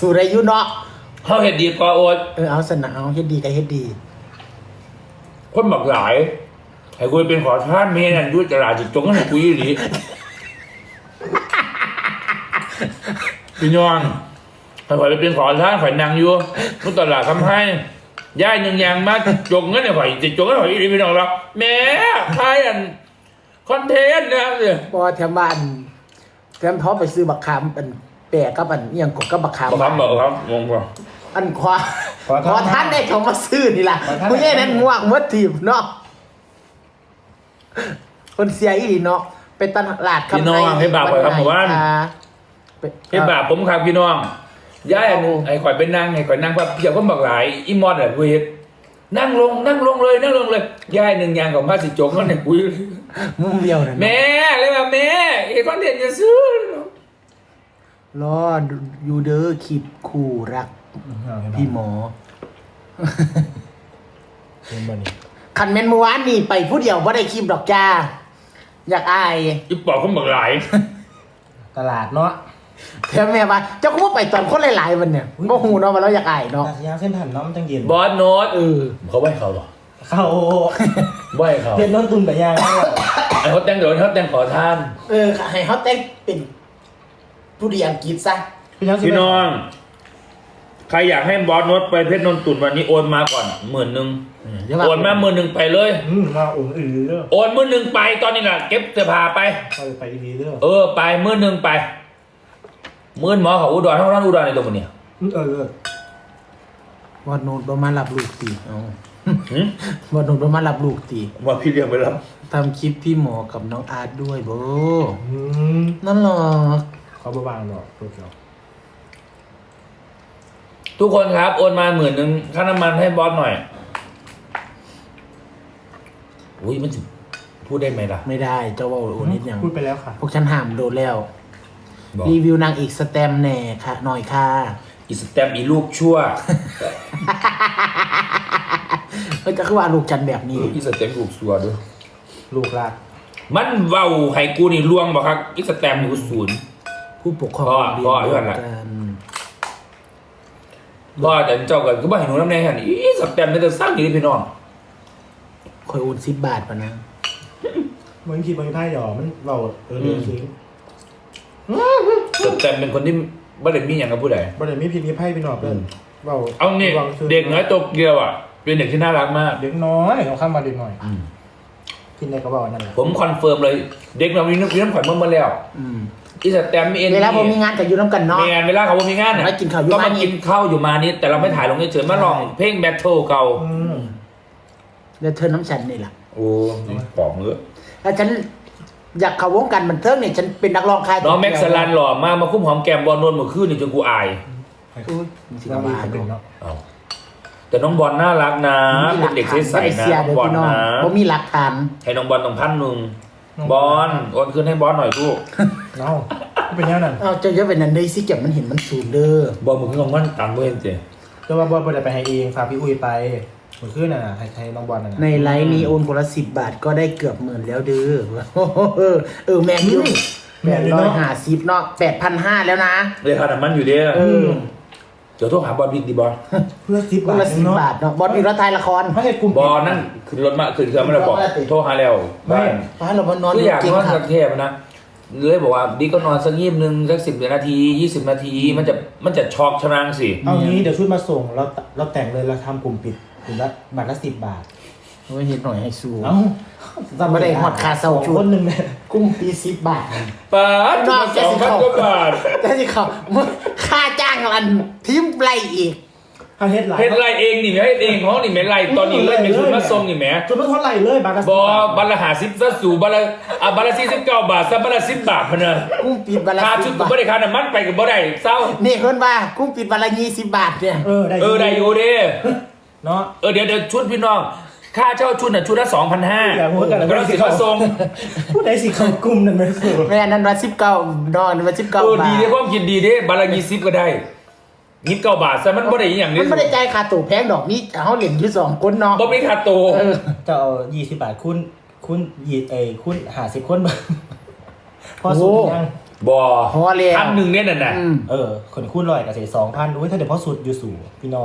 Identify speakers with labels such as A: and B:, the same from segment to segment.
A: สู่ได้อยู่เนาะ
B: เขาเฮ็ดดีกว่าโอ๊ต
A: เอาสนะเอาเฮ็ดดีก็เฮ็ดดี
B: คนบักหลายให้กูเป็นขอทานเมียนั่นด้วยตลาดจิตจงให้กูยี่หลีพี่น้องข่อยไปเป็นขอทานข่อยนั่งอยู่มุตลาดคำให้ย่ายยังยังมาจงงั้นเนี่ยข่อยจิตจงให้ข่อยยี่หลีพี่น้องเราแม่ใครอันคอนเทนต์นะเนี่ย
A: พอแถมบ้านแถมท้อไปซื้อบักขามเป็นแปะกับอันยังกบกับบักขาม
B: ครับบอกครับงงป่ะ
A: อันขอท่านได้เขามาซื้อนี่ล่ะผู้ใหญ่นั้นง่วงเมื่อทีมเนาะคนเสียอีหลีเนาะไปตลาด
B: พี่น้องให้บาปข่อยครับผมว่าให้บาปผมครับพี่น้องย่ายไอ้ข่อยเป็นนั่งไอ้ข่อยนั่งแบบเพียบก็บักหลายอีมอดอะกูเห็นนั่งลงเลยย่ายหนึ่งยางของพระสิจงนั่นเนี่ยกู
A: มุมเดียวนะ
B: แม่เลยแบบแม่ไอ้คอนเทนต์จะซื้อ
A: รออยู่เด้อคลิปคู่รักพี่หมอคันเมนเมื่อวานนี่ไปผู้เดียวว่าได้คลิปดอกจ้าอยากอาย
B: อีปอบก็บักหลาย
A: ตลาดเนาะแถมแม่ว่าเจ้าก็ว่าไปตอนคนหลายๆวันเนี่ยก็หูเนาะมาแล้วอยากอายเนาะ
C: ยางเส้นผ่านน้ำจังเย็น
B: บอสโน้ตเขาไหวเขาหรอ
C: เขา
B: ไหวเขา
C: เพียนน้องตุนแต่ยาง
B: ไอ้เขาแต่งเดี๋ยวเขาแต่งขอทาน
A: ให้เขาแต่งเป็นผู้ดีอังกฤษซะ
B: พี่น้องใครอยากให้บอสโน้ตไปเพชรนนตุ่นวันนี้โอนมาก่อน10,000โอนมา10,000ไปเลย
C: มาโอน
B: โอน10,000ไปตอนนี้น่ะเก็บเสื้อผ้าไป
C: ดีเด้
B: อไป10,000ไป10,000หมอเขาอุดรทั้งร้านอุดรในตัวมันเนี่ย
A: วันโน้ตประมาณรับลูกตีวันโน้ตประมาณรับลูกตี
B: ว่าพี่เลี้ยงไปรับ
A: ทำคลิปพี่หมอกับน้องอาร์ตด้วยโบนั่นหรอ
C: เขาบางหรอก
B: ทุกคนครับโอนมา10,000ค่าน้ำมันให้บอสหน่อยอุ้ยมันพูดได้ไหมล่ะ
A: ไม่ได้เจ้าว่าโอนนิดยัง
C: พูดไปแล้วค่ะ
A: พวกฉันห้ามโดนแล้วรีวิวนางอีกสแตมแน่ค่ะหน่อยค่ะ
B: อีสแตมอีลูกชั่ว
A: จะคือว่าลูกจันแบบนี้
B: อีสแตมลูกชั่วด้วย
C: ลูกรัก
B: มันเว้าให้กูนี่ลวงบ่ครับอีสแตมอยู่0
A: ผู้ปกครอง
B: พ่อด้วยล่ะพ่อแต่เจ้ากันก็บ่ให้หนูน้ำแน่หั่นอีสแตมมันจะสร้างอยู่พี่น้อง
A: คอยโอน10 บาทป่ะนะ
C: มันคิดมันไพ่หยอมันเว้าซื้อ
B: สแตมเป็นคนที่บ่ได้มีอย่างกับผู้ใด
C: บ่ได้มีพิมพ์ไพ่พี่น้องเพิ่นเว้า
B: เอานี่เด็กน้อยโตเกียวอ่ะเป็นเด็กที่น่ารักมาก
C: เด็กน้อยเขาข้ามมาเด็กน้อยกินอะไรก็บอกนั่นแหละ
B: ผมคอนเฟิร์มเลยเด็กเรามีน้ำข่อยเมื่อแล้วอีสแตมเอ็น
A: เวลาผมมีงานกับยูน้ำกันเนาะ
B: เวลาเขามีงาน
A: ก็กินข้าวอยู่
B: ก็มากินข้าวอยู่มานี่แต่เราไม่ถ่ายลงเฉยๆมาลองเพลงแบทเทิลเก่า
A: เดี๋ยวเธอน้ำฉันนี่แหละ
B: โอ้ปอกมือ
A: แล้วฉันอยากเข้าวงการบันเทิงเนี่ยฉันเป็นนักร้องค่าย
B: น้องแม็กซ์สลันหล่อมาคุ้มหอมแก้มบอลนวลเมื่อคืนนี่จนกูอาย
A: สิกบ้าเนาะ
B: แต่น้องบอลน่ารักนะเป็นเด็กใสๆนะบอลนะ
A: ผมมีหลักฐาน
B: ให้น้องบอลต้อง1,000บอลโอนคืนให้บอลหน่อยลูก
C: เนาะเป็นยังนั้น
A: จะเยอะเป็นนั้นได้สิเก็บมันเห็นมันสูงเด้อบ
B: อลมึงก็มันตังเว้นเจ๊
C: แต่ว่าบอลไปไปให้เองฝากพี่อุ้ยไปเหมือนขึ้นน่ะให้น้องบอลน่ะ
A: ในไลน์นี้โอนคนละ10 บาทก็ได้เกือบ10,000แล้วเด้อแมนยู850เนาะ8,500แล้วนะ
B: เลยค่าน้ำมันอยู่เด้อเดี๋ยวโทรหาบอลบิ๊กดีบอล
C: เพื่อ10
A: บาทเนาะบอลอีกแล้วไทยละคร
C: ให้กลุ่ม
B: บอลนั่นขึ้นรถมาขึ้นเครื่องไม่ได้บอกโทรหาแล้ว
A: ไม่เราบอลนอน
B: คืออยากนอนสักเทปนะเลยบอกว่าบิ๊กก็นอนสัก20สัก10 นาที20 นาทีมันจะช็อกชนะสิ
C: เอางี้เดี๋ยวชุดมาส่งเราแต่งเลยเราทำกลุ่มปิดกลุ่มละบาทละ10 บาท
A: ไม่เห็นหน่อยให้สู้
C: ไม่ได้หอดคาเซาชุดนึงเนี่ย
A: กุ้งปี10 บาท
B: ปาด2,000 กว่าบาท
A: แต่ที่เขาค่าจ้างอันทิมไรอีก
C: เฮ็ด
B: ไรเองนี่แม่เฮ็ดเองของนี่แม่ไรตอนนี้เลยเป็นชุดมาส่งนี่แม่
C: ชุดมาเท่าไหร่เลยบาทละ
B: บาทละ50ซะสู่บาทละ49 บาทซะบาทละ10 บาทพะเนอะ
A: กุ้งปิดบาทละ
B: ค่าชุดก็บ่ได้ค่าน้ำมันไปก็บ่ได้เศร้า
A: นี่เพิ่นว่ากุ้งปิดบาทละ20 บาทเนี่ย
B: ได้อยู่เด้
C: เนาะ
B: เดี๋ยวชุดพี่น้องค่าเช่าชุดน่ะชุดละ 2,500 ก็ต้องสิมาส่ง
C: ผู้ใดสิเข้ากลุ่มนั่น
A: แม่นั้นว่า19นอนว่า19 บาท
B: ดีเด้ความคิดดีเด้บาทละ20ก็ได้29 บาทซะมันบ่ได้อีหยังนี่
A: มันบ่ได้จ่ายค่าตั๋วแพงดอกนี้เฮาเล่นอยู่2คนเนาะ
B: บ่มีค่าตั๋ว
C: จะเอา20 บาทคูณ50 คนพอสุดยัง
B: บ่
A: พอแล้ว
B: พันหนึ่งเนี่ยน่ะ
C: คนคูณร้อยกับเศษ2,000ด้วยถ้าเดี๋ยวพอสุดอยู่สู่พี่น้อง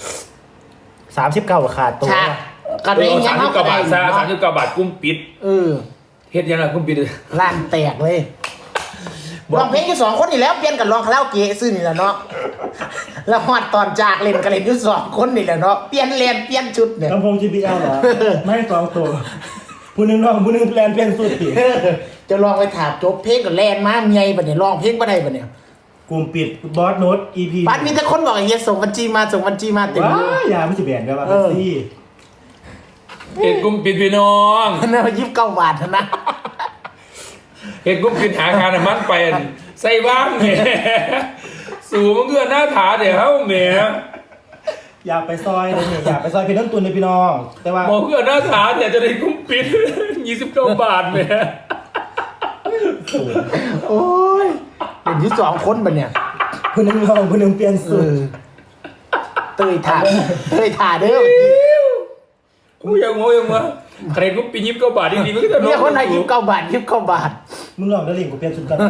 C: 39ขาดตัว
A: ฉากกระ
B: เอ
A: เด้ง
B: อ
A: ยัง
B: 39 บาทซะ39 บาทกุ้มปิด
A: เออ
B: เฮ็ดยังไงกุ้มปิด
A: ล้านแตกเลยลองเพลงอยู่2คนนี่แล้วเปลี่ยนกันร้องคาราโอเกะซื่อนี่แหละเนาะแล้วฮอดตอนจากเล่นกันเล่นอยู่2คนนี่แหละเนาะเปลี่ยนเลนเปลี่ยนชุดเนี่ย
C: ลำโพง JBL เหรอ ไม่2ตัวผู้หนึงร้องผู้หนึงแลนเปลี่ยนสุดติ
A: จะลองไปถามจบเพลงกับแลนมาเมียบัดเนี่ยร้องเพลงบ่ได้บัดเนี่ย
C: กลุ่มปิดบอสโน้ต EP
A: บัดมีแต่คนบอกอย่างเงี้ยส่งบัญชีมาเต็ม
C: ว้า
A: เลย
C: ยาไม่สิแบนกันว่าเป็นซี่
B: เฮ็ดกุ้มปิดพี่น้อง
A: นั่น29 บาทนะ
B: เฮ็ดกุ้มปิดหาคาน้ำมันไปใส่บ้างแหมสู่มันคือหน้าถาเดี๋ยวเฮาแหม
C: อยากไปซอยเลยเนี่ยอยากไปซอยเพชรต้นตุนเลยพี่น้อง แต่ว่า
B: บ่คือหน้าถาเดี๋ยวจะได้กุ้มปิด29 บาทแหม
A: โอ้ยเห็นที่2คนบัดเนี่ย
C: ผู้หนึงร้องผู้หนึงเปลี่ยนสุด
A: เตยถ่าเด้อ
B: กูยังงงว่าใครกุ้มปิด29 บาทดีๆมันก็จะ
A: เนี่ยคนไหน29 บาท29 บาท
C: มึงลองได้ลิงกูเปลี่ยนสุดกัน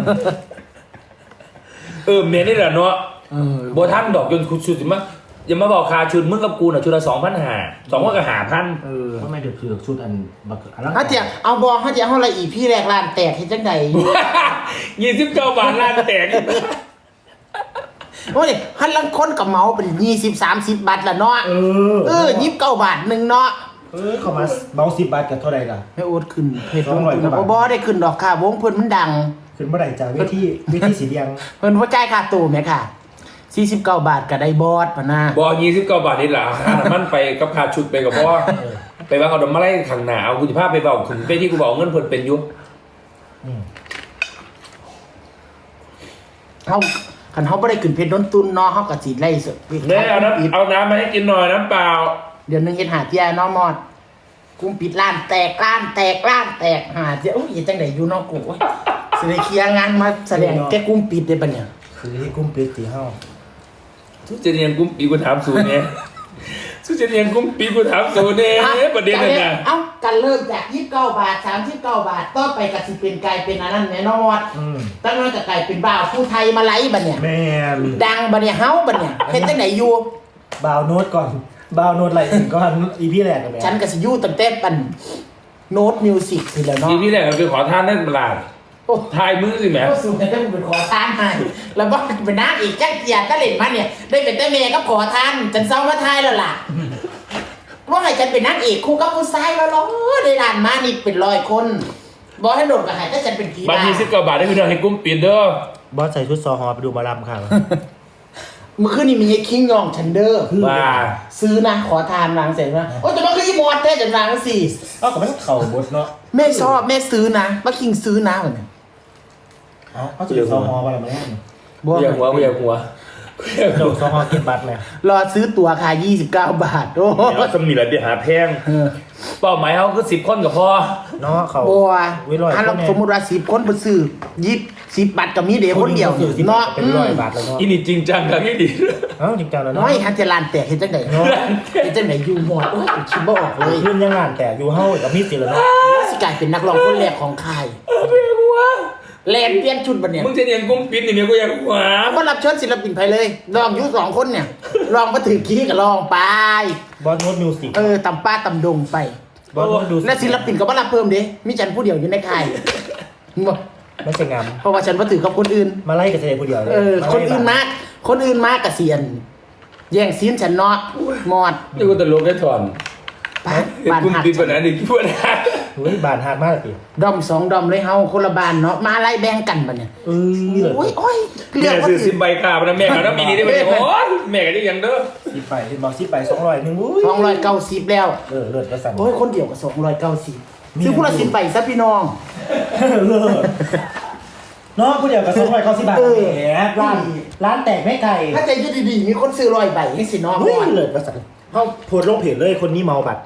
B: แม่นี่แหละเนาะ
A: เออ
B: บ่ทันดอกจนคุณสุดสิมาอย่ามาบอกค่าชุดมึงกับกูน่ะชุดละ2,500 2ก็5,000
A: เออ
C: ทำไมเดือดชุดอันบักอันนั้น
A: ถ้าเจียเอาบอถ้าเจียเฮาละอีพี่แรกล้านแตกเฮ็ดจังได
B: 29 บาทล้านแตก
A: โอ้ยหันลังคนกับเมาเป็น20 30 บาทละเนาะ29 บาทนึงเนาะ
C: เข้ามาเบา10 บาทกับเท่าไหร่ล่ะ
A: ให้โอ๊ตขึ้นเพจ
C: 200กว่าบาท
A: บ่ได้ขึ้นดอกค่ะวงเพิ่นมันดัง
C: ขึ้นเมื่อไหร่จากเวทีสีแดง
A: เพิ่นบ่จ่ายค่าตู้แม่ค่ะ49 บาทก็ได้บอสปะนะ
B: บ่29 บาทนี่ล่ะค่าน้ำมันไปกับค่าชุดไปกับบ่ไปวางเอาดอกไม้ไล่ข้างหน้าเอากูสิพาไปเว้าถึงไปที่กูบอกเงินเพิ่นเป็นอยู่
A: เฮาคันเฮาบ่ได้ขึ้นเพจดนตุนเนาะเฮาก็สิไล่สด
B: แม่เอาน้ำมาให้กินหน่อยน้ำเปล่า
A: เดี๋ยวนึงเฮ็ดหาเที่ยเนาะมอดกุมปิดร้านแตกหาเที่ยโอ้ยจังได๋อยู่เนาะกูโอ้ยสิได้เคลียร์งานมาแสดงแกกุมปิดได้ปะเนี่ย
C: คือที่กุ้มปิดตีห้า
B: สุเจเนียนกุ้มปีกูถามสูเนี่ยสุเจเนียนกุ้มปีกูถามสูเนี่ยประเด็นนั่นน่ะ
A: เอ้ากันเริ่มจาก29 บาท39 บาทต่อไปก็สิเป็นกลายเป็นอันนั้นแน่นอนตั้งนั้นก็กลายเป็นบ่าวผู้ไทยมาไล่บัดเนี่ย
C: แม่น
A: ดังบัดเนี่ยเฮาบัดเนี่ยเฮ็ดจังไดอยู่
C: บาวโน้ตก่อนบาวโน้ตไหลถึงก่อน EP แรกกันแม่
A: ฉันก็สิอยู่ตั้งแต่ปันโน้ตมิวสิกนี่แหละเนาะ
B: ทีที่แรกเราไปขอท่านนั่นตลาด
A: โอ้
B: ทายมือสิแหม
A: ก็สูงแต่ต้องเป็นขอทานให้แล้วบ่เป็นนางอีกจังเกียรติตะเล่นมาเนี่ยได้เป็นแต่แม่ก็ขอทานฉันเศร้ามาทายแล้วล่ะว่าให้ฉันเป็นนางเอกคู่กับผู้ชายแล้วเนาะได้ร้านมานี่เป็น100 คนบ่ให้โดดก็ให้แต่ฉันเป็นผี
B: บาง
A: บ้า
B: ที19 บาทได้พี่น้องให้กุ้มปีเด้อบ
C: อสใส่ชุดซอฮอไปดูหมอลำค่ะ
A: เมื่อคืนนี้มีไอ้คิงยองฉันเด้อ
B: ว่า
A: ซื้อนะขอทานวางเสร็จว่าโอ้ยจะมาคืออีหมดแท้จังวางสิ
C: ก็ไม่ต้องเข่าบดเนาะ
A: แม่ชอบแม่ซื้อนะป้าคิงซื้อนะเหมือนกัน
C: เอาจุดซอฮอไปอะไรมาแน่
B: กูอยากหัว
C: โดดซอฮอกินบัตรเลย
A: รอซื้อตั๋วค่ะ29 บาทโอ้
B: เดี๋ยวจะมีอะไรเดี๋ยวหาแพงเป้าหมายเขาคือ10 คนกับพอ
C: เนาะเขา
A: บัว
C: วิร้อย
A: ถ้าเราสมมติว่า10 คนไปซื้อ10 บาทก็มีเดียวคนเดียว
C: เนาะ
A: เนาะ
C: เป็น100 บาทแล้วเนาะ
B: อีนี่จริงจังกันที่ดี
C: เอ้าจริงจังแล้วเนาะ
A: น้อยฮันจะลานแตกเห็นจังไหนเนาะเห็นจังไหนอยู่หมดโอ้ยคิดบ่ออกเลย
C: ขึ้นยังงานแต่อยู่เฮ้ากับมีดสิแล้วเนาะ
A: สิกลายเป็นนักร้องคนแรกของค่ายแลนเปลี่ยนชุดบัดเนี่ย
B: มึงจะเรียนกุ้มปิ้นนี่กูอยากหัว
A: ก็รับเชิญศิลปินไปเลยลองอยู่2 คนเนี่ยลองมาถึงขี้ก็ลองไป
C: บอสโน้ตมิวสิก
A: ตำป้าตำดงไป
C: บอสโน้ตดู
A: และศิลปินก็บ่รับเพิ่มเด้มีฉันผู้เดียวอยู่ในค่ายบ่
C: ไม่ใช่งาม
A: เพราะว่าฉันบ่ถือกับคนอื่น
C: มาไล่กับเสด็จผู้เดียวเลย
A: คนอื่นมากกะเสียน แย่งซีนฉันเนาะหมด
B: นี่กูตลกแค่ถอน
A: บ้าน
B: กุ้ม
A: หัก
B: ปิ้นแบบนั้นดิพูดนะ
C: เฮ้ยบานฮาดมากเลยพี่
A: ดอม2 ดอมเลยเฮาคนละบ้านเนาะมาไล่แบ่งกันบัดเนี่ย
C: นี่เลย
A: โอ้ยเลื
B: แม่
A: อกว่า
B: ซื้อ
A: ถื
B: ซิ
A: อ
B: มใบกาบนะแม่กันนะปีนี้ได้ไหมโอ้ยแม่กันได้ยังเด้อ
C: สิไปเห็นบอกสิไป200นึงอุ้ย
A: 290แล้ว
C: เลิศประสัน
A: โอ้ยคนเดียวก็290ซื้อผู้ละ10ใบซะพี่น้อง
C: เลิศน้องผู้เดียวกับ290 บาทแหมร้านแตกไม่ไกล
A: ถ้าใจอยู่ดีๆมีคนซื้อ100ใบให้สิน้อง
C: เฮ้ย
A: ก่อน
C: เลิศประสันเขาโพสต์ลงเพจเลยคนนี้เมาบัตร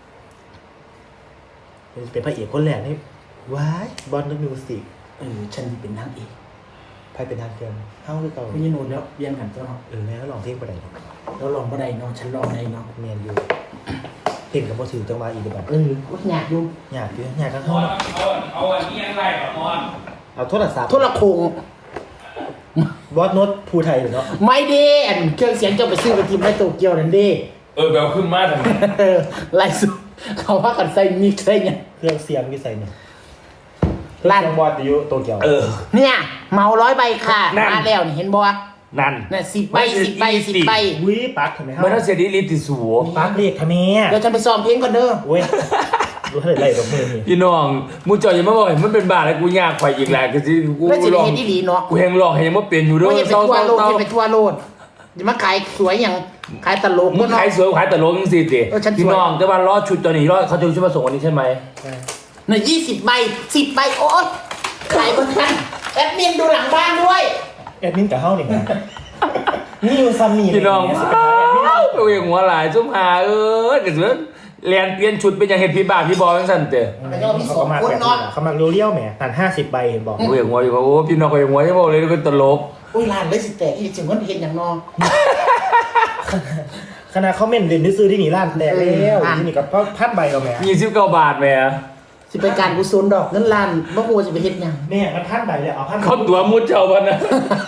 C: เป็นพระเอกคนแรกนี่ว้ายบอลนักมิวสิก
A: ฉันเป็นนางเอก
C: ใครเป็นทางเกินเฮ้าหรือเปล่า
A: พี่โนดแล้วเรียนกันเจ้าเนาะ
C: แม่ก็ลองเพลงไปได้
A: แล้วลองบ่ได้เนาะฉันลองได้เนาะ
C: เมียนอยู่เพลงกับพอถือจังหวะอีกแบบ
A: ก็อยากอยู่
C: อยากอยู่อยากกัน
B: ม
C: เท่า
B: อนเอาอันนี้ยังไงก่อนมอน
C: เอาโทรศัพท์
A: โทรโขง
C: บอสโน้ตภูไทยหรือเนาะ
A: ไม่เด้อันเครื่องเสียงเจ้าไปซื้อไปทีมไอโตเกียวนั่นเด้
B: แบลขึ้นมาทำไม
A: ไล่สุดเขาว่ากันใส่มิกใส่เนี่ย
C: เครื่องเสียงที่ใส่เนี่ย
A: ลั่น
C: เครื่องบอสอยู่โตเกียว
A: เนี่ยเมา100 ใบค่ะ
B: นั่น
A: มาแล้วนี่เห็นบ่
B: นั่น
A: น่ะ10 ใบ10 ใบ10 ใบ
C: วิปักทำไมฮะ
B: มันต้องเสียดีลิติสู
C: ปักเรียกทำไม
A: เดี๋ยวฉันไปซ้อมเพลงก่อนเด้อ
C: เว้ยรู้เท่าไหร่กับมือนี่
B: พี่น้องมูจอยยังไม่บอกเห็นมันเป็นบาอะไรกูยากไปอีกแล้วก็สิกู
A: แล้วสิ
B: ล
A: ได้
B: อง
A: เฮ็ดอีหลีเนาะ
B: กูแหงลองยังไม่เปลี่ยนอยู่ด้ว
A: ว่าย อย่าไปทั่วโลด
B: เศร้า
A: อย่าไปทั่วโลดอย่ามาขายสวยอย่างขายตลก
B: มึงขายสวยขายแต่ลงสิติ
A: เออฉันสวย
B: พี่น้องแต่ว่ารอดชุดตัวนี้รอดเขาจะชุดมาส่งวันนี้ใช่ไหม
A: น่ะ20 ใบ10 ใบโอ๊ยขายบนนั้นแอดมินดูหลังบ้านด้วย
C: แอดมินกับเฮ้านี่นะนี่อยู่ซัมมี่
B: พี่น้อง
C: เนี่ยสิเป็นแอดมิน
B: ตัวเองหัวหลายซุ่มหาเดี๋ยวเรียนเปลี่ยนชุดเป็นอย่างเห็นพี่บ้าพี่บอลทั้งสั้นเตะ
A: มันก็มีสอง
C: เขามา
A: คน
C: แบบ
A: เนาะ
C: เขามาเรียวๆแหมตัน50 ใบเห็นบอก
B: ตัวเองหัวอยู่ว่าโอ้พี่น้องตัวเองหัวยังบอกเลยเป็นตลก
A: อุ้ยร้านเลยสิแตกอีกถึงคนเห็นอย่างนอ
C: ขณะเขาเม่นเด่นซื้อที่นี่ร้านแตกแล้วที่นี่กับพัดใบเราแหม
B: 29 บาทแหม่
A: สิไปการกุศลดอกเงินล้านบ่ฮู้ว่าสิไปเฮ็ดหยัง
C: แม่มันพัดใบเลยเอาพัด
B: เขาตัวมุดเจ้าพันนะ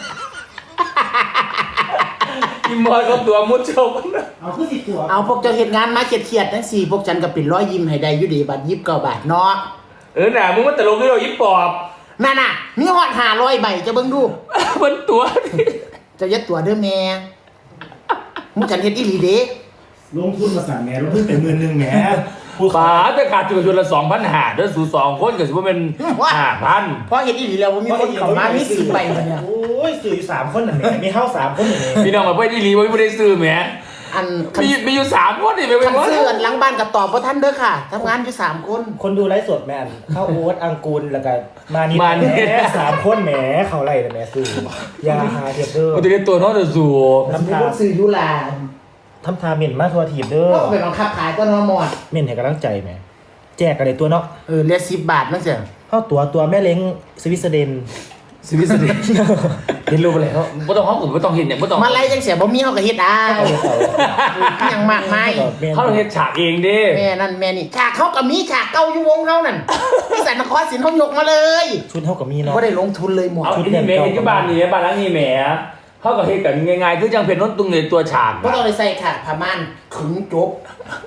B: อีมอยเขาตัวมุดเจ้าพันนะ
C: เอาคือ10 ตัว
A: เอาพวกเจ้าเฮ็ดงานมาเครียดๆจังซี่พวกฉันก็เป็นร้อยยิ้มให้ได้อยู่ดีบัด29 บาทเนาะ
B: หน่ามึงมันตลกด้วยเรายิบปอบ
A: นั่นน่ะมีฮอด500 ใบจะเบิ่งดู
B: มันตัวนี่
A: เจะยัดตัวเด้อแม่มึงฉันเฮ็ดอีหลีเด้
C: ลงทุนมาสั่งแหมลงทุนเป็น10,000แหมพูด
B: ป๋าแต่ขาดจุดจุดละ2,500เด้อสู่2คนก็สิว่าเป็น5,000
A: เพราะเฮ็ดอีหลีแล้วบ่มีคนเข้ามามี10 ใบบัดเนี่ย
C: โอ้ยสื่ออยู่3 คนน่ะแหมมีเฮ้า3 คนน่ะแหม
B: พี่น้องมาเพื่อนที่รีว่าไม่ได้ซื้อแหม
A: อันคัน
B: มีอยู่3คนนี่ไป
A: คัน
B: ว่า
A: ซื้ออันหลังบ้านก็ตอบบ่ทันเด้อค่ะทำงานอยู่3 คน
C: คนดูไลฟ์สดแมนเข้าโอ๊ตอังกูลแล้วก็มานี่แหม3 คนแหมเขาไล่แต่แหมซื้อยาหาเทียบเด้อ
B: มันจะได้ตัวน้องเดือดสู่
A: แล้วมีคนซื้ออยู่ล่ะ
C: ทำทาเม่นมาทัวทีบเด้อ
A: ก็ไปบังคับขายก็นอหมด
C: เม่นให้กำลังใจแหมแจกกันเลยตัวเนาะ
A: เหลือ10 บาทนั่นเสีย
C: เข้าตัวแม่เล้งสวิสเดน
B: สวิสเดนเห็นรูปอะไรเขาไม่ต้องห้องผมไม่ต้องเห็นเนี่ยไม่ต้อง
A: มาไล่จังเสียบ่มีเฮาก็เฮ็ดเอายังมากมาย
B: เขาต้องเห็นฉากเองดิ
A: แม่นั่นแม่นี่ฉากเขาก็มีฉากเก่าอยู่วงเฮานั่นที่สันนครศิลป์เฮายกมาเลย
C: ชุดเท่ากับมีเนาะ
A: บ่ได้ลงทุนเลยหมด
B: เอาที่นี่แหม่เห็นที่บ้านนี่บ้านหลังนี้แหมเขาก็เห็นกันง่ายๆคือจังเป็นน้นตุงในตัวฉาก
A: บ่ต้องเลยใส่ค่ะผ้าม่านขึงจบ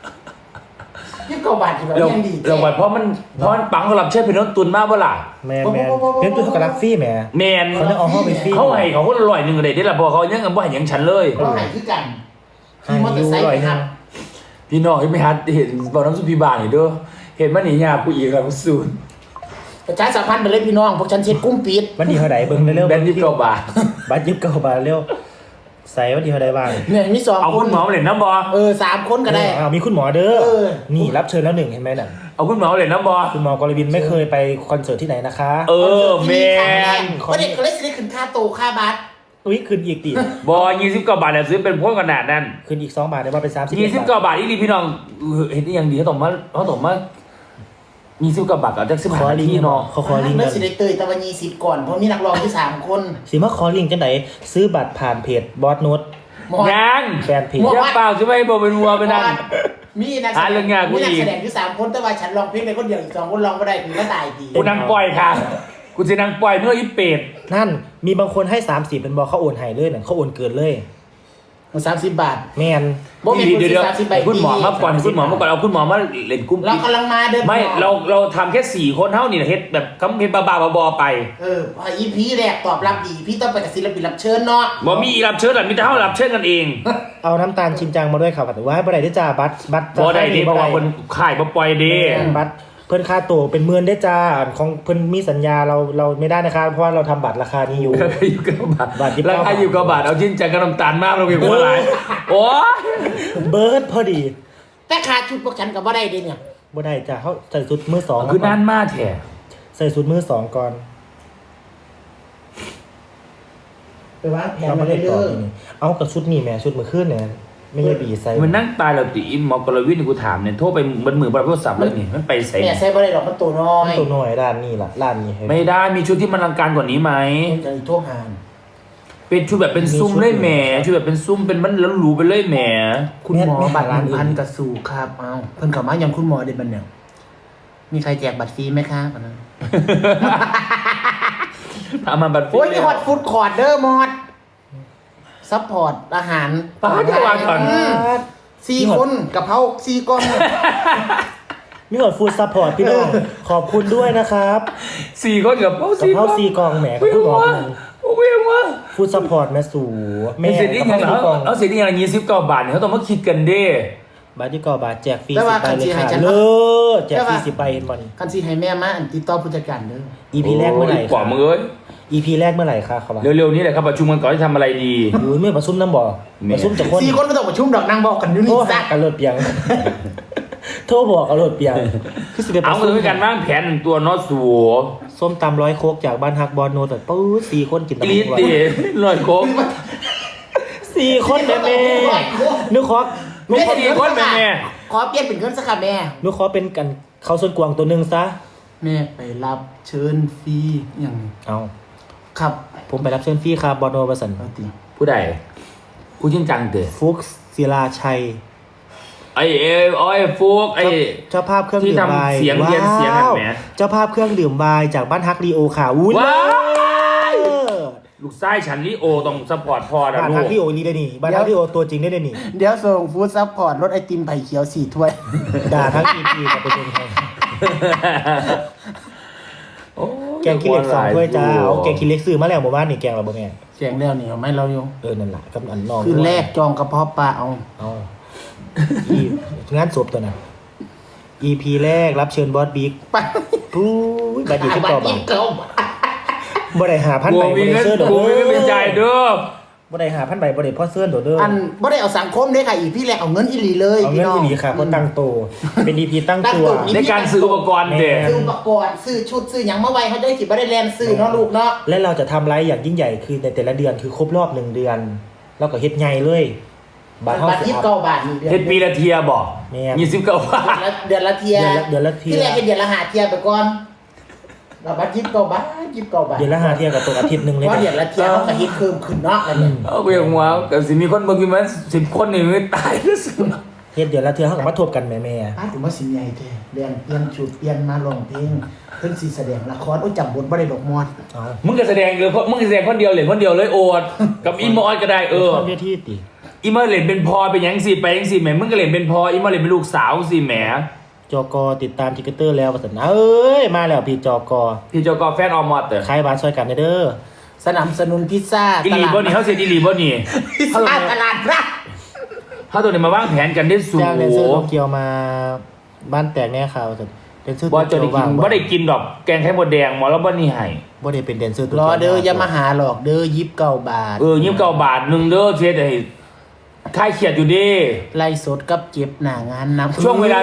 A: 29 บาทที่แบบ
B: เรา
A: ยังดี
B: เราเพราะมันปังสำหรับเชื่อเป็นน้นตุนมากเปล่า
C: แมนเป็นตัวกับรักฟี่แหม
B: แมน
C: เขาจะเอาเข้าไปฟรี
B: เขาให้เขาคนละ100เลยได้ละพอเขายังกันบ่ให้ยังฉันเลย
A: ก็ให้คือกัน
C: ให้
A: ที่มอเตอร์ไซค์
C: อยู่
A: ไป
C: 100
A: ครับ
B: พี่น้องที่ไม่ฮัดเห็นบอกน้ำสุพีบานนี่เด้อเห็นมันนี่ยากูอีกแล้วกูสูน
A: ประชาสัมพันธ์ไปเลยพี่น้องพวกฉันเช็ดกุ้งปิด
C: วันดีเท่าไหร่เบิ่งเร็วๆ
B: แบน29 บาท
C: บัตร29 บาทเร็วใส่วันดีเท่าไหร่บ้าง
A: เนี่ยมี2
B: เอา
A: ค
B: คุ
A: น
B: ณหมอมาเล่นน้ำบอ
A: 3 คนก็ได้
C: เอามีคุณหมอเด้อ
A: เออ
C: นี่รับเชิญแล้ว1เห็นไหมน่ะ
B: เอาคุณหมอมาเล่นน้ำบอ
C: คุณหมอกรวินไม่เคยไปคอนเสิร์ตที่ไหนนะคะ
B: แมน
A: ก็เด็กก็เลยสิได้ขึ้นค่าโตค่าบัตร
C: อุ้ยคืนอีกดิ
B: บอ29 บาทแล้วซื้อเป็นพวกขนาดนั้น
C: คืนอีก2 บาทได้ว่าเป็น30
B: 29 บาทอีนี่พี่น้องเห็นได้ยังดีเขาต้องมา29 บาทกับจัก15
C: ขอ
B: นา
C: ลิง
B: ที
C: ก์เนาะ
B: เนาะ
C: เขาขอลิงก์
A: แล้
C: กั
A: วน สิได้เตยตะวัน20ก่อนเพราะมีนักร้องที่3 คน
C: สิมาขอลิงก์จังไหนซื้อบัตรผ่านเพจบอสโน้ต
A: หมอ
B: ยัง
C: แฟนเพจ
B: ยังเปล่าใช่ไหมบอกเป็นวัวไปนั่น
A: มีนัก
B: หาเรื่องงานกู
A: มีนัก
B: อีก
A: แสดงอยู่3 คนแต่ว่าฉันร้องเพลงไปคนเดียวอีก2 คนร้องบ่ได้กูก็ตายดี
B: กูนั่งปล่อยค่ะกูจะนั่งปล่อยเมื่ออีเป็ด
C: นั่นมีบางคนให้30เป็นบอเขาโอนให้เลยน่ะเขาโอนเกินเลย
A: 30 บาท
C: แมน
A: บ่มี
B: เดี๋ยว
A: 30 ใบ
B: คุณหมอมาก่อนคุณหมอมาก่อนเอาคุณหมอมาเล่นกุ้ง
A: เรากำลังมาเด้อ
B: ไม่เราทำแค่4 คนเท่านี่เฮ็ดแบบคำเฮ็ดบ้าๆบอๆไป
A: พอ EP แรกตอบรับดีพี่ต้องไปกับศิลปินรับเชิญเนาะ
B: บ่มีรับเชิญหรอกมีแต่เฮารับเชิญกันเอง
C: เอาน้ำตาลชินจังมาด้วยครับแต่ว่าให้บ่ได้ได้จ้าบัตร
B: บ่ได้เด้เพราะว่าคนขายบ่ปล่อยเด้
C: บัตรเพิ่นค่าตัวเป็นหมื่นได้จ้าของเพิ่นมีสัญญาเราไม่ได้นะคะเพราะว่าเราทำบัตรราคานี้อยู่
B: ราคาอยู่9 บาท
C: บาท29
B: ราคาอยู่9 บาทเอาจริงจังกับน้ำตาลมากเราเก็บหัวหลายโอ้ย
C: เบิร์ดพอดี
A: แต่ขาดชุดพวกฉันก็บ่ได้เด้เนี่ย
C: บ่ได้จ้าเขาใส่ชุดมือสอง
B: คือนานมากแท้
C: ใส่ชุดมือสองก่อน
A: ไปวางแผน
C: เรา
A: มา
C: ไม่ได้
A: เด้
C: ต่อ
A: อ
C: ทีนี้เอากับชุดนี่แหม่ชุดมือขึ้นเนี่ยไม่ใช่บีใส่
B: มันนั่งตายแล้วติอิมหมอกรวินกูถามเนี่ยโทรไปบนมือบนโทรศัพท์แล้วนี่มันไปใส่
A: แม่ใส่บ่ได้ดอกมันตัวน้อย
C: ตัวน้อยด้านนี้ล่ะด้านนี้ให้
B: ไม่ได้มีชุดที่มันอลังการกว่านี้ไหม
A: จะโทรหา
B: เป็นชุดแบบเป็นซุ้มเลยแหมชุดแบบเป็นซุ้มเป็นมันแล้วหรูไปเลยแหม
A: คุณหมอบัตร1,000กระสู่ครับเอาเพิ่นเข้ามายังคุณหมอได้บัดเนี่ยมีใครแจกบัตรฟรีไหมคะ
B: ทำมาบัตรฟรี
A: โอ้ยมีฮอตฟู้ดคอร์ดเด้อมอดซัพพอร์ตอาหาร
B: ป้าจะวางก่อน
A: 4 คนกะเพรา4กล่อง
C: มีหมดฟู้ดซัพพอร์ตพี่น้องขอบคุณด้วยนะครับ
B: 4 คนกับ
C: กะเพรา4กล่องแหมกับผู้บอกกัน
B: เวียงวะ
C: ฟู้ดซัพพอร์ตแม่สู่แม่
B: เสร็จที่
C: กะ
B: ยัง
C: เพรา4กล่อง
B: เอาเสร็จที่ยัง29 บาทเนี่ยเขาต้องมาคิดกันเด้
C: บาทที่กอบาทแจกฟรี
A: แต่
C: 10
A: ว่า
C: ใบเลย
A: คันสิให้
C: ค่ะ
A: ฉัน
C: เลิศแจกฟรี10 ใบเห็นบ่นี่
A: คันสิให้แม่มาอันติดต่อผู้จัดการเด้อ
C: EP แรกเมื่อไหร่
B: กว่า
C: คะ
B: มือเอ้ย
C: EP แรกเมื่อไหร่คะครับว่า
B: เร็วๆนี้แหละครับประชุมกันก่อนจะทำอะไรดี
C: อยู่เมื่อประชุมน้ำบ่
B: แม่
C: ประชุมจากคน
A: 4 คนบ่ต้องประชุมดอกนางบอกกันอยู่
C: โทร
A: นี่
C: หา
A: ซะ
C: กันรถเปียง โทรบอกกันรถเปียงคือสิไปป
B: เอา
C: ระ
B: ก็
C: ชุม
B: เลยการวางแผนหนึ่งตัวนอสัว
C: ส้มตำ100 โคกจากบ้านฮักบอลโนแต่ปื๊ด4 คนกินตำ
B: กรีด
C: บัก
B: ตี
C: หุ่ง
B: ลอยโค้ง
C: 4 คนแม่นึกขอ
B: ไม่ใช่4 คนแม่
A: ขอเปลี่ยนเป็นเงินสักค่ะแม่
C: นึกขอเป็นกันเขาส่วนกวางตัวหนึงซะ
A: แม่ไปรับเชิญฟรีอย่าง
C: เอา
A: ครับ
C: ผมไปรับเชิญฟรีครับบอลโนประสัน
A: เอาติ
B: ผู้ใดผู้ชินจังเตะ
C: ฟุกศิลาชัย
B: ไอ้ฟุกไอ้
C: เจ้าภาพเครื่อง
B: ที่
C: ดื่ม
B: ทำ
C: ไวน์
B: เสียงเรียนเสียงกันแหม
C: ว้าวเจ้าภาพเครื่องดื่มไวน์จากบ้านฮักรีโอค่ะอุ้ย
B: ว้าว
C: เลิศ
B: ลูกไส้ฉันลิโอต้องสปอร์ตพอนะ
C: บ้าน
B: ลู
C: ฮั
B: ก
C: กรีโอนี่ได้นี่บ้านฮักรีโอตัวจริงได้นี่
A: เดี๋ยวส่งฟู้ดซัพพอร์ตรถไอติมไผ่เขียว4 ถ้วย
C: ด่าทั้ง EP กับไปเป็นใคร
B: โอ้ย
C: แกงขี้เหล็ก2 ถ้วยจ้าเอาแกงขี้เหล็กซื้อมาแล้วหมู่บ้านนี่แกงเราบ่แม่
A: แจงแล้วนี่เอาไหม่เราอยู่
C: นั่นแหละกับอันน้อง
A: คืนแรกจองกระเพาะปลาเอา
C: เอาอีงานศพตัวนั้น EP แรกรับเชิญบอสบิ๊ก
A: ไป
C: ปุ้ยบัตรอยู่ที่ต่อบัตร
A: เก่า
C: บ่ได้5,000
B: กู
C: ใบ
B: มี
C: บ่ได้
B: เงิน
C: เสื้อโดด
B: กูมีเงินเป็นใจายเด้อ
C: บ่ได้5,000 ใบบ่ได้พ่อเสื้อโดดเด้อ
A: อันบ่ได้เอาสังคมเด้ค่ะอีพี่แรกเอาเงินอีหลีเลย
C: เอา
A: พี่
C: เงิน
A: น้อง
C: ที่ดีค่ะเพราะตั้งโตเป็น EP ตั้ง
A: ตั้ง
C: ตัว
A: ตัว
B: ในการซื้ออุปกรณ์เด็ก
A: ซื้ออุปกรณ์ซื้อชุดซื้อหยังมาไว้เขาได้สิบ่ได้แลนซื้อเนาะลูกเนาะ
C: และเราจะทำไลฟ์อย่างยิ่งใหญ่คือในแต่ละเดือนคือครบรอบ1 เดือนแล้วก็เฮ็ดใหญ่เลยบาทเฮา
A: บาท
C: สิอัพ
A: 29 บาทนี่เดือน
B: เฮ็ดปีละเทียบอก
C: แม่
B: 29 บาท
A: เดือนละเทีย
C: เดือนละเทีย
A: ที่แรกเป็นเดือนละ5เทียไปก่อนเราบัตร29 บาท29 บาท
C: เดือนละ5 เที่ยกับตกอาทิตย์หนึงเลย
A: เพราะเดือนละเทียเขาก็ฮิตเพิ่มขึ้นเนาะอะไรเนี่ย
B: เอาไปอย่างว่าแต่สิมีคนเมื่อกี้มัน10 คนนี่ไม่ตายแล้วสิ
C: เฮ็ดเดือนละเที่ยเฮาก็มาทบกันแม่
A: ป้าถึงว่าสิใหญ่แท้เรียนเปลี่ยนชุดเปลี่ยนมาร้องเพลงเพิ่นสิแสดงละครโอ้จำบทบ่ได้ดอกมอด
C: ๆเอา
B: มึงก็แสดงเลยมึงก็แสดงคนเดียวเลยคนเดียวเลยโอดกับอีมอสก็ได้
C: คนเวทีติ
B: อีมอสเล่นเป็นพอเป็นหยังสิไปหยังสิแหมมึงก็เล่นเป็นพออีมอสเล่นเป็นลูกสาวสิแหม
C: จกติดตามทิกเตอร์แล้วว่าซั่นเอ้ยมาแล้วพี่จก
B: พี่เจ้าก็แฟนออมอสเด้อ
C: ขายบ้านช่วยกันเด้อ
A: สนับสนุนพิซซ่า
B: อีหลีบ่นี่เขาเสียอีหลีบ่นี่
A: พิซซ่าตลาดพระ
B: เขาตัวนี้มาวางแผนกันได้สูง
C: จ้างแดนเซอร์โตเกียวมาบ้านแตกแน่ข่าวว่าซั่นแดนเซอร์โต
B: บ่จะ
C: เกีย
B: ได้
C: ว
B: กิ
C: ว่าน ง
B: บ่ได้กินดอกแกงไข่มดแดงหมอแล้วบ่นี่ให้
C: บ่ได้เป็นแดนเซอร์โต
A: ร
C: เกียว
A: อเด้ออย่ามาหาหรอกเด้อ29 บาท
B: 29 บาทหนึงเด้อเสียได้ค่ายเขียดอยู่ดิ
A: ไล่สดกับเก็บหน้างานนำ
B: ช่วงเวลา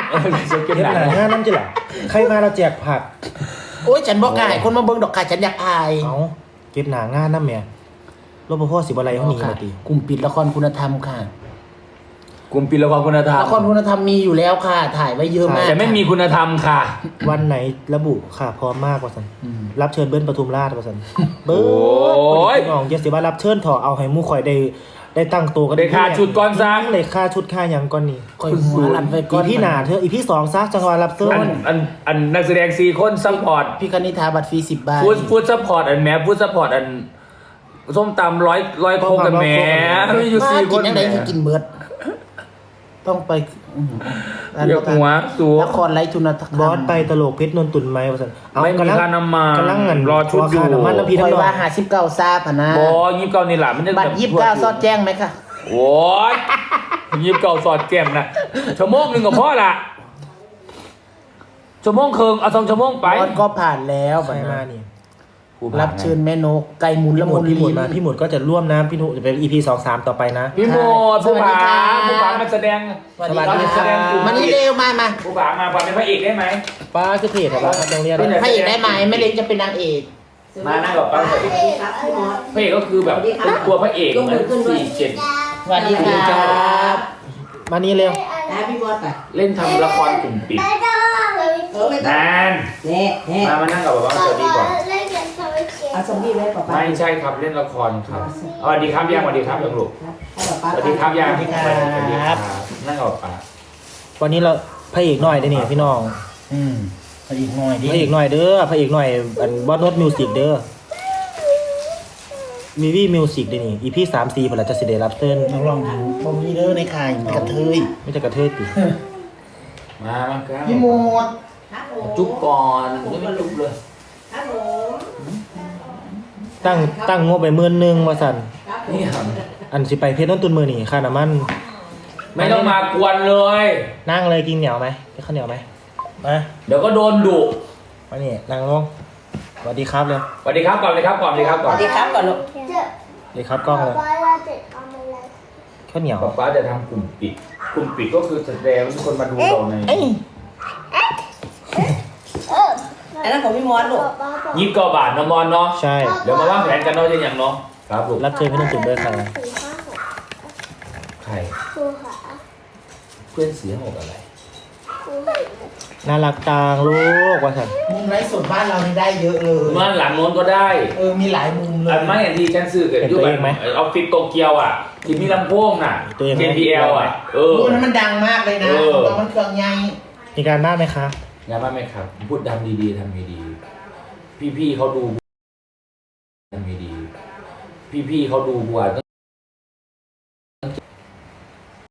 B: 2เก็บ
C: เฮ็ด
B: หนัง
C: หน้างานนํจิล่ะใครมาเราแจกผัก
A: โอ้ยฉันบอกกล้าให้คนมาเบิ่งดอกค่ะฉันอยากอาย
C: เอาเก็บหน้างานนำแม่รปภสิบ่ไล่เฮาหนี
A: ค่ะ
C: มาติ
A: กลุ่มปิดละครคุณธรรมค่ะ
B: กลุ่มปิดละครคุณธรรม
A: ละครคุณธรรมมีอยู่แล้วค่ะ ถ่ายไว้เยอะมาก
B: แต่ไม่มีคุณธรรมค่ะ
C: วันไหนระบุค่ะพร้อมมากว่าซั่น
A: อืม
C: รับเชิญเบิ้ลปทุมราชว่าซั่นเบิ้
B: โอ้ย
C: พี่น้องอย่าสิว่ารับเชิญเถอะเอาให้หมู่ข่อยได้ตั้งตัวกัน
B: ได้ค่าชุดก่อนซะ
C: ได้ค่าชุดค่าหยังก่อนนี่
A: คอยหัวลันไปก่
C: อี
A: อน
C: พี่หน้าเธออีพี่2ซะจังหวะรับเชิญ
B: อันนักแสดง4คนซัพพอร์ต
A: พี่คณิธาบัตรฟรี10 บาท
B: ฟูดซัพพอร์ตอันแหมฟูดซัพพอร์ตอันส้มตำร้อยโคกกันแหมมีอยู่
A: ว่า
B: 4 ค
A: กิน
B: น
A: ยังไงคือกินเบิดต้องไป
B: เรียกหัวสู
A: ละครไร้ทุนธรรม
C: บอสไปตลกเพชรนนตุนไหมว่าซั่นเอา
B: ไม่มี
C: กำลัง
B: ค่าน้ำมัน
C: กำลังเงิน
B: รอชุดอยู่
C: ค่าน้ำมันแล้วพี่
A: ค
C: ทั้
A: อง ย
C: น้อ
A: ว่าง59ซาพะนะ
B: บอ29นี่แหละมันจะ
A: บัตร29ซอดแจ้งไหมคะ
B: โอ้ย29สอดแก้มนะชั่วโมงหนึงก็พอละชั่วโมงครึ่งเอา2 ชั่วโมงไป
A: บอสก็ผ่านแล้ว
C: ใครมานี่
A: รับเชิญแม่นกไก่หมุน
C: พี่
A: ละ
C: ห
A: มุ
C: มุ
A: น
C: ดพี่หมุด
A: ลิ้น
C: มาพี่หมุดก็จะร่วมนะพี่หมุดจะเป็น EP 2-3ต่อไปนะ
B: พี่โมดผู้ผา
A: สวัสดีค่ะ
B: มาแสดง
A: สวัสดี
B: แสดง
A: ค่ะมานี่เร็วมา
B: ผู้ผามาเป็นพระเอกได้ไหม
C: ป้าคือเพจของเราครับโรงเรียน
B: เป็น
A: พระเอกได้ไหมไม่เล็กจะเป็นนางเอก
B: มานั่งกับป้า
D: สวัสดีครับพี่มอส
B: พระเอกก็คือแบบเป็นตัวพระเอกเหมือน47
A: สวัสดีครับ
C: มานี่เร็ว
D: นะพี่มอสไป
B: เล่นทำละครกลุ่มปิด
D: ไม่ต้อง
B: นาน
D: เน่เน่
B: มานั่งกับป้าสวัสดีก่อน
D: เอาสมบีไว้ป่ะป้า
B: ไม่ใช่ครับเล่นละครครับสวัสดีครับย่างสวัสดีครับยังลูก
D: ให้ป้า
B: สวัสดีครับย่างสวัสดีครับนั่งกับป้า
C: วันนี้เราพระเอกหน่อยได้นี่พี่น้อง
A: พระเอกหน่อยดิ
C: พระเอกหน่อยเด้อพระเอกหน่อยอันบอสโนตมิวสิกเด้อมีวี่มิวสิกด้วยนี่ EP 3-4พอแล้วจะสิได้รับเชิญ
A: น้องลองดูบ่มีเด้อในค่ายมีกระเทย
C: ไม่จะกระเทยติ
B: มาครับ
A: พี่โมด
D: ครับผม
B: จุ๊บก่อนยังไม่จุ๊บเลย
D: ครับผม
C: ตั้งงบไป10,000ว่าซั่น
D: ครับผม
B: นี่ครับ
C: อันสิไปเพชรต้นตุนมือนี่ค่าน้ำมัน
B: ไม่ต้องมากวนเลย
C: นั่งเลยกินเหนียวไหมกินข้าวเหนียวไหมมา
B: เดี๋ยวก็โดนดุ
C: มานี่นั่งลงสวัสดีครับเลย
B: สวัสดีครับก่อนเลยครับก่อนเลยครับ
D: ส
B: ก่อน
D: วัสดีครับก่อนลูก
C: สวัสดีครับกล้องเลยข้าวเหนียว
B: ป๊าจะทำกลุ่มปิดกลุ่มปิดก็คือแสดงว่าทุกคนมาดูเราใน
D: อันนั้นของพี่มอสลูก
B: 29 บาทนะมอนเนาะ
C: ใช่
B: เดี๋ยวมาว่างแผนกันเนาะจะอย่างเนาะครับลูก
C: รับเชิญเพชรต้นตุนด้วยค่ะ
B: ใครเพื่อนเสียหกอะไร
C: น่ารักจังลูกว่าซั่น
A: มุมไลฟ์สดบ้านเรานี่ได้เยอะเลย
B: เมื่อหลังโน้นก็ได้
A: มีหลายมุมเลย
B: อันไม่อย่างที่ฉันซื้อกับยุคแบบออฟฟิศโตเกียวอ่ะ ที่มีลำโพงน่ะ JBL อ่ะ
A: พูดนั้นมันดังมากเลยนะเพราะมันเครื่องใหญ่
C: มีการบ้านไหมคะ
B: งานบ้านไหมครับ พูดทำดีๆทำดีๆพี่ๆเขาดูทำดีๆพี่ๆเขาดูบัว